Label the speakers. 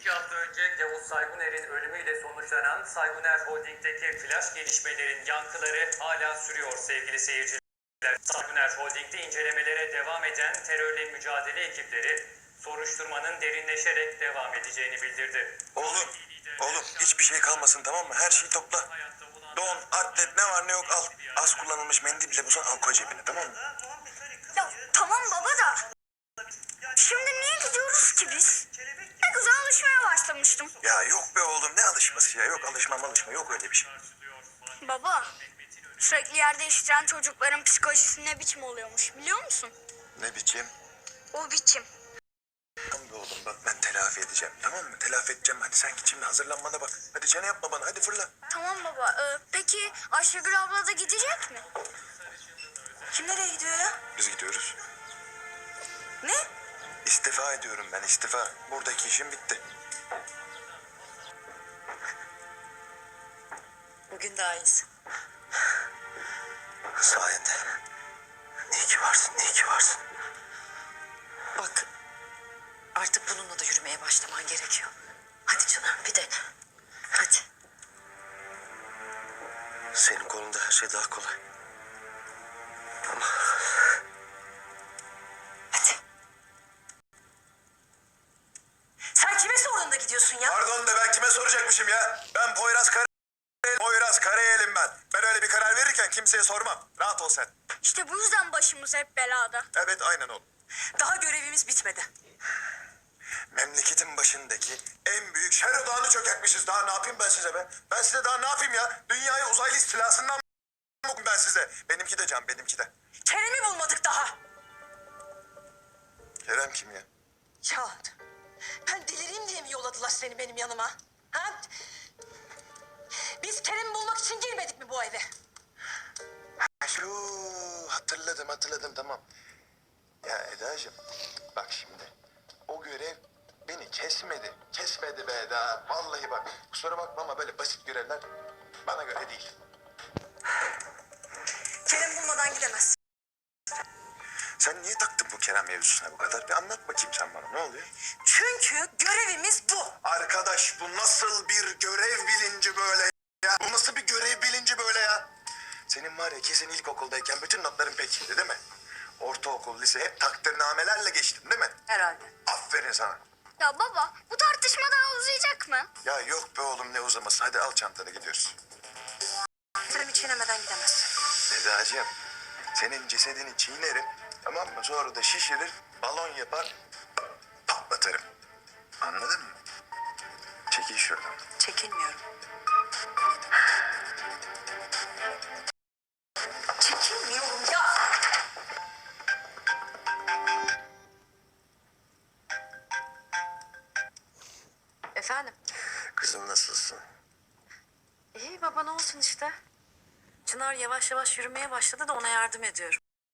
Speaker 1: 2 hafta önce Yavuz Sayguner'in ölümüyle sonuçlanan Sayguner Holding'deki flash gelişmelerin yankıları hala sürüyor sevgili seyirciler. Sayguner Holding'de incelemelere devam eden terörle mücadele ekipleri soruşturmanın derinleşerek devam edeceğini bildirdi.
Speaker 2: Oğlum hiçbir şey kalmasın, tamam mı? Her şeyi topla. Don, atlet, ne var ne yok al. Az kullanılmış mendil bile bulsan al, koy cebine, tamam mı?
Speaker 3: Ya tamam baba da. Şimdi niye gidiyoruz ki biz? Ne güzel alışmaya başlamıştım.
Speaker 2: Ya yok be oğlum, ne alışması ya? Yok alışma yok öyle bir şey.
Speaker 3: Baba, sürekli yer değiştiren çocukların psikolojisi ne biçim oluyormuş biliyor musun?
Speaker 2: Ne biçim?
Speaker 3: O biçim.
Speaker 2: Tamam be oğlum, bak ben telafi edeceğim, tamam mı? Telafi edeceğim, hadi sen git şimdi hazırlanmana bak. Hadi çene yapma bana, hadi fırla.
Speaker 3: Tamam baba, peki Ayşegül abla da gidecek mi? Kim nereye gidiyor ya?
Speaker 2: Biz gidiyoruz.
Speaker 3: Ne?
Speaker 2: İstifa ediyorum ben, istifa. Buradaki işim bitti.
Speaker 4: Bugün daha iyisin.
Speaker 2: Sayende. İyi ki varsın, iyi ki varsın.
Speaker 4: Bak artık bununla da yürümeye başlaman gerekiyor. Hadi canım bir dene. Hadi.
Speaker 2: Senin kolunda her şey daha kolay. Ama
Speaker 4: Hadi. Sen kime sorduğunda gidiyorsun ya?
Speaker 2: pardon da ben kime soracakmışım ya? Ben Poyraz Karayel'im ben. Ben öyle bir karar verirken kimseye sormam. Rahat ol sen.
Speaker 3: İşte bu yüzden başımız hep belada.
Speaker 2: Evet aynen oğlum.
Speaker 4: Daha görevimiz bitmedi.
Speaker 2: Memleketin başındaki en büyük şer odağını çökertmişiz. Daha ne yapayım ben size be? Ben size daha ne yapayım ya? Dünyayı uzaylı istilasından mı ben size? Benimki de can, benimki de.
Speaker 4: Kerem'i bulmadık daha.
Speaker 2: Kerem kim ya?
Speaker 4: Ya ben delireyim diye mi yolladılar seni benim yanıma? Ha? Biz Kerem'i bulmak için girmedik mi bu eve?
Speaker 2: Hatırladım tamam. Ya Eda'cığım bak şimdi o görev beni kesmedi. Kesmedi be Eda. Vallahi bak kusura bakma ama böyle basit görevler bana göre değil.
Speaker 4: Kerem bulmadan gidemez.
Speaker 2: Sen niye taktın bu Kerem mevzusuna bu kadar? Bir anlat bakayım sen bana, ne oluyor?
Speaker 4: Çünkü görevimiz bu.
Speaker 2: Arkadaş bu nasıl bir görev bilinci böyle ya? Bu nasıl bir görev bilinci böyle ya? Senin var ya kesin ilkokuldayken bütün notların pekiydi değil mi? Ortaokul, lise hep takdirnamelerle geçtin değil mi?
Speaker 4: Herhalde.
Speaker 2: Aferin sana.
Speaker 3: Ya baba, bu tartışma daha uzayacak mı?
Speaker 2: Ya yok be oğlum ne uzaması. Hadi al çantanı gidiyoruz.
Speaker 4: Kerem'i çiğnemeden gidemez.
Speaker 2: Eda'cığım senin cesedini çiğnerim. Tamam mı? Sonra da şişirir, balon yapar, patlatırım. Anladın mı? Çekil şuradan.
Speaker 4: Çekinmiyorum. Çekinmiyorum ya. Efendim?
Speaker 2: Kızım nasılsın?
Speaker 4: İyi baba ne olsun işte. Çınar yavaş yavaş yürümeye başladı da ona yardım ediyorum.